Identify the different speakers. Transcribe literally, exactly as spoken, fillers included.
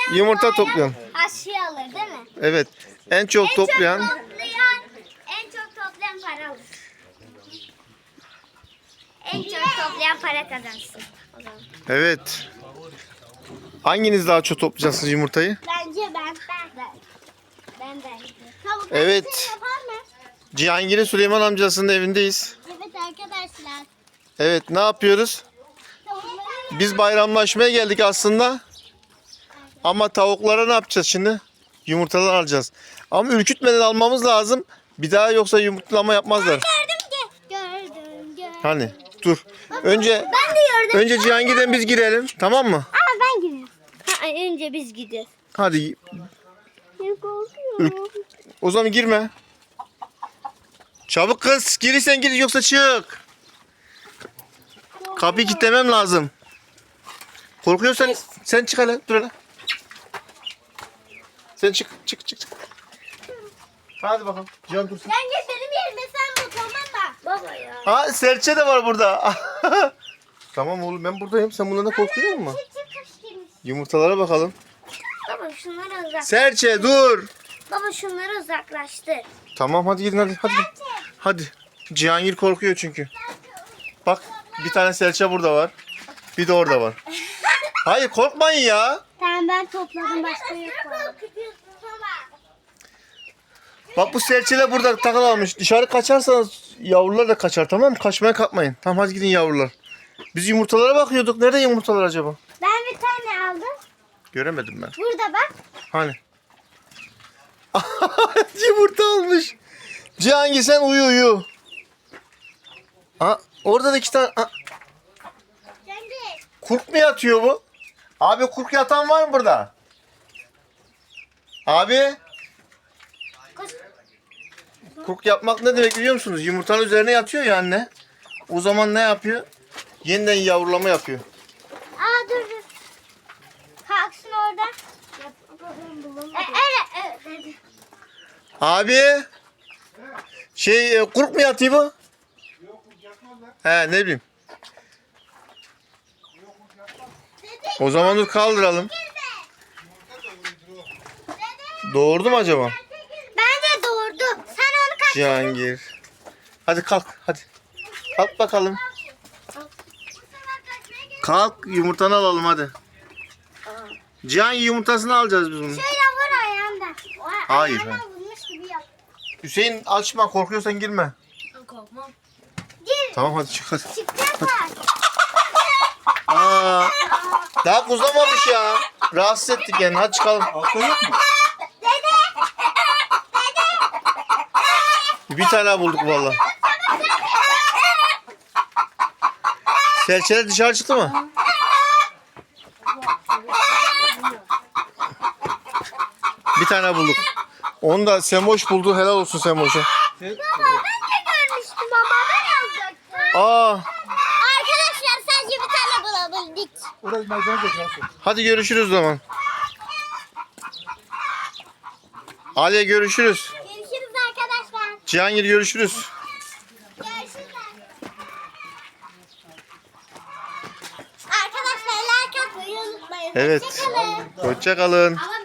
Speaker 1: yumurta toplayan.
Speaker 2: Aşığı alır değil mi?
Speaker 1: Evet. En çok
Speaker 2: En
Speaker 1: toplayan.
Speaker 2: çok toplayan, en çok toplayan para alır. En çok toplayan para kazansın. O zaman.
Speaker 1: Evet. Hanginiz daha çok toplayacaksınız yumurtayı?
Speaker 2: Bence ben. Ben ben. Ben bence. Tavuk
Speaker 1: Evet.
Speaker 2: aşısı yapar mı?
Speaker 1: Cihangir'in Süleyman amcasının evindeyiz.
Speaker 2: Evet arkadaşlar.
Speaker 1: Evet, ne yapıyoruz?
Speaker 2: Tavukları
Speaker 1: Biz bayramlaşmaya geldik aslında. Ama tavuklara ne yapacağız şimdi? Yumurtalar alacağız. Ama ürkütmeden almamız lazım. Bir daha yoksa yumurtlama yapmazlar.
Speaker 2: gördüm ki. Gördüm gördüm.
Speaker 1: Hani dur. Önce
Speaker 2: Ben de gördüm.
Speaker 1: önce Cihangir'den biz girelim, tamam mı?
Speaker 2: Ama ben gidiyorum. Ha, önce biz gidiyoruz.
Speaker 1: Hadi.
Speaker 2: Ben korkuyorum.
Speaker 1: O zaman girme. Çabuk kız. Girirsen gir yoksa çık. Kapıyı kilitlemem lazım. Korkuyorsan sen çık hele. Dur hele. Sen çık çık çık çık. Hadi bakalım. Cihan dursun.
Speaker 2: Sen git benim yerime sen bu tamam mı? Baba ya.
Speaker 1: Ha serçe de var burada. Tamam oğlum ben buradayım. Sen bundan da korkuyor musun?
Speaker 2: Çık çık kış girmiş.
Speaker 1: Yumurtalara bakalım.
Speaker 2: Baba şunları uzak.
Speaker 1: Serçe dur.
Speaker 2: Baba şunları uzaklaştır.
Speaker 1: Tamam hadi gidin hadi. Hadi. Hadi. Cihangir korkuyor çünkü. Bak bir tane serçe burada var. Bir de orada var. Hayır korkmayın ya.
Speaker 2: Tamam ben topladım başka yok.
Speaker 1: Bak bu serçeler burada takıl almış. Dışarı kaçarsanız yavrular da kaçar, tamam mı? Kaçmaya kalkmayın. Tamam hadi gidin yavrular. Biz yumurtalara bakıyorduk. Nerede yumurtalar acaba?
Speaker 2: Ben bir tane aldım.
Speaker 1: Göremedim ben.
Speaker 2: Burada bak.
Speaker 1: Hani? Yumurta almış. Cihangir sen uyu uyu. Aa, orada da iki tane. Aa,
Speaker 2: Kendi.
Speaker 1: kurk mu yatıyor bu? Abi kurk yatan var mı burada? Abi.
Speaker 2: Koş.
Speaker 1: Kurk yapmak ne demek biliyor musunuz? Yumurtanın üzerine yatıyor ya anne. O zaman ne yapıyor? Yeniden yavrulama yapıyor.
Speaker 2: Aa dur dur. Kalksın orada. E, evet evet.
Speaker 1: Abi. Şey e, kurk mu yatıyor bu? He ne bileyim. O zaman dur kaldıralım. Doğurdu mu acaba?
Speaker 2: Bence doğurdu. Sen onu kaç.
Speaker 1: Cihangir. Hadi kalk hadi. Kalk bakalım. Kalk yumurtanı alalım hadi. Cihangir yumurtasını alacağız biz bunu.
Speaker 2: Şöyle vur ayağında. O
Speaker 1: Hayır,
Speaker 2: ayağına
Speaker 1: hayır.
Speaker 2: vurmuş gibi yap.
Speaker 1: Hüseyin açma korkuyorsan girme.
Speaker 2: Korkmam. Gir.
Speaker 1: Tamam hadi çık hadi.
Speaker 2: Çıkacaklar.
Speaker 1: Aa, daha kuzlamamış ya. Rahatsız ettik yani hadi çıkalım.
Speaker 3: Altta yok mu?
Speaker 1: Bir tane bulduk vallahi. Serçeler dışarı çıktı mı? Bir tane bulduk. Onu da Semoş buldu. Helal olsun Semoş'a.
Speaker 2: Ben de görmüştüm ama ben alacaktım.
Speaker 1: Aa,
Speaker 2: Arkadaşlar sadece bir tane bulabildik.
Speaker 3: Orası merdiven geçersin.
Speaker 1: hadi görüşürüz o zaman. Ali görüşürüz.
Speaker 2: Görüşürüz arkadaşlar.
Speaker 1: Cihangir görüşürüz.
Speaker 2: Görüşürüz. Arkadaşlar like atmayı unutmayın.
Speaker 1: Evet.
Speaker 2: Hoşçakalın.
Speaker 1: Hoşça kalın.
Speaker 2: Ama